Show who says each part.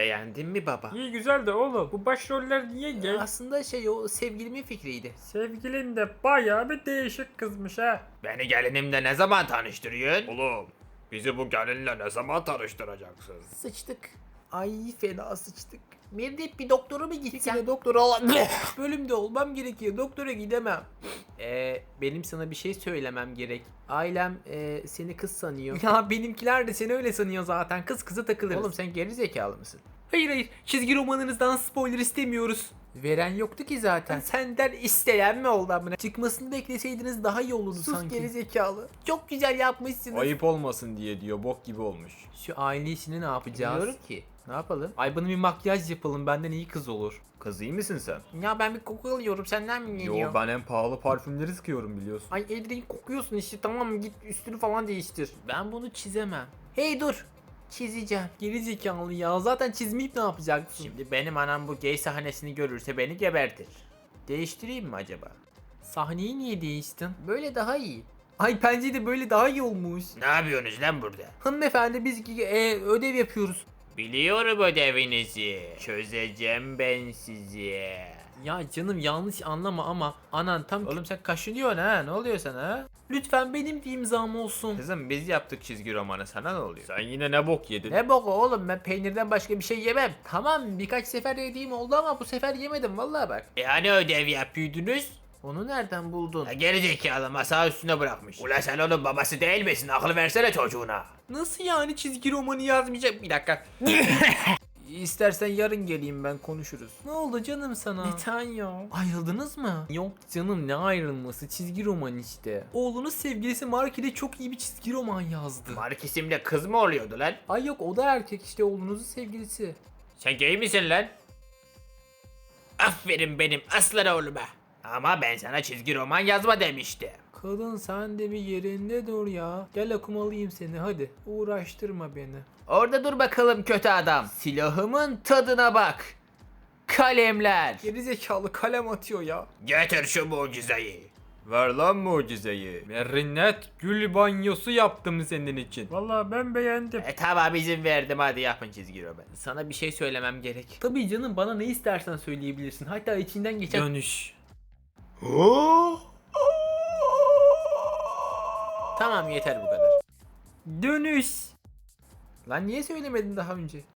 Speaker 1: Beğendin mi baba?
Speaker 2: İyi güzel de oğlum bu başroller niye gay?
Speaker 1: Aslında o sevgilimin fikriydi.
Speaker 2: Sevgilin de bayağı bir değişik kızmış ha.
Speaker 1: Beni gelinimle ne zaman tanıştırıyorsun?
Speaker 3: Oğlum bizi bu gelinle ne zaman tanıştıracaksın?
Speaker 1: Sıçtık. Ay fena sıçtık. Mirdet bir doktora mı gitsen? Bir doktora olan bölümde olmam gerekiyor. Doktora gidemem. Benim sana bir şey söylemem gerek. Ailem seni kız sanıyor. Ya benimkiler de seni öyle sanıyor zaten. Kız kıza takılırız. Oğlum sen geri zekalı mısın? Hayır. Çizgi romanınızdan spoiler istemiyoruz. Veren yoktu ki zaten. Senden isteyen mi oldu amına? Çıkmasını bekleseydiniz daha iyi olurdu sanki. Sus geri zekalı. Çok güzel yapmışsınız.
Speaker 3: Ayıp olmasın diye diyor, bok gibi olmuş.
Speaker 1: Şu aile işini ne yapacağız? Bilmiyorum ki. Ne yapalım? Ay bana bir makyaj yapalım, benden iyi kız olur.
Speaker 3: Kız iyi misin sen?
Speaker 1: Ya ben bir koku alıyorum, senden mi geliyor?
Speaker 3: Yo, ben en pahalı parfümleri sıkıyorum biliyorsun.
Speaker 1: Ay Edrin kokuyorsun işte, tamam mı, git üstünü falan değiştir. Ben bunu çizemem. Hey dur. Çizeceğim. Geri zekalı ya, zaten çizmeyip ne yapacaksın? Şimdi benim anam bu gay sahnesini görürse beni gebertir. Değiştireyim mi acaba? Sahneyi niye değiştin? Böyle daha iyi. Ay bence de böyle daha iyi olmuş.
Speaker 3: Ne yapıyorsunuz lan burada?
Speaker 1: Hanımefendi biz ödev yapıyoruz.
Speaker 3: Biliyorum ödevinizi. Çözeceğim ben sizi.
Speaker 1: Ya canım yanlış anlama ama anan tam... Oğlum sen kaşınıyorsun ha, ne oluyor sana ha? Lütfen benim bir imzam olsun.
Speaker 3: Kızım biz yaptık çizgi romanı, sana ne oluyor? Sen yine ne bok yedin?
Speaker 1: Ne boku oğlum, ben peynirden başka bir şey yemem. Tamam birkaç sefer yediğim oldu ama bu sefer yemedim vallahi bak.
Speaker 3: Hani ödev yapıyordunuz?
Speaker 1: Onu nereden buldun?
Speaker 3: Geri zekalı masa üstüne bırakmış. Ulan sen onun babası değil misin? Akıl versene çocuğuna.
Speaker 1: Nasıl yani çizgi romanı yazmayacak? Bir dakika. İstersen yarın geleyim, ben konuşuruz. Ne oldu canım sana? Bir tane yok. Ayrıldınız mı? Yok canım, ne ayrılması, çizgi roman işte. Oğlunuz sevgilisi Mark ile çok iyi bir çizgi roman yazdı.
Speaker 3: Mark isimli kız mı oluyordu lan?
Speaker 1: Ay yok, o da erkek işte, oğlunuzun sevgilisi.
Speaker 3: Sen gay misin lan? Aferin benim aslan oğluma. Ama ben sana çizgi roman yazma demiştim.
Speaker 1: Kadın sen de bir yerinde dur ya. Gel akumalıyım seni hadi. Uğraştırma beni.
Speaker 3: Orada dur bakalım kötü adam. Silahımın tadına bak. Kalemler.
Speaker 1: Gerizekalı kalem atıyor ya.
Speaker 3: Getir şu mucizeyi. Ver lan mucizeyi.
Speaker 1: Merinet gül banyosu yaptım senin için.
Speaker 2: Vallahi ben beğendim.
Speaker 3: Tamam izin verdim, hadi yapın çizgi roman.
Speaker 1: Sana bir şey söylemem gerek. Tabii canım, bana ne istersen söyleyebilirsin. Hatta içinden geçen... Dönüş. Tamam yeter bu kadar. Dönüş. Lan niye söylemedin daha önce?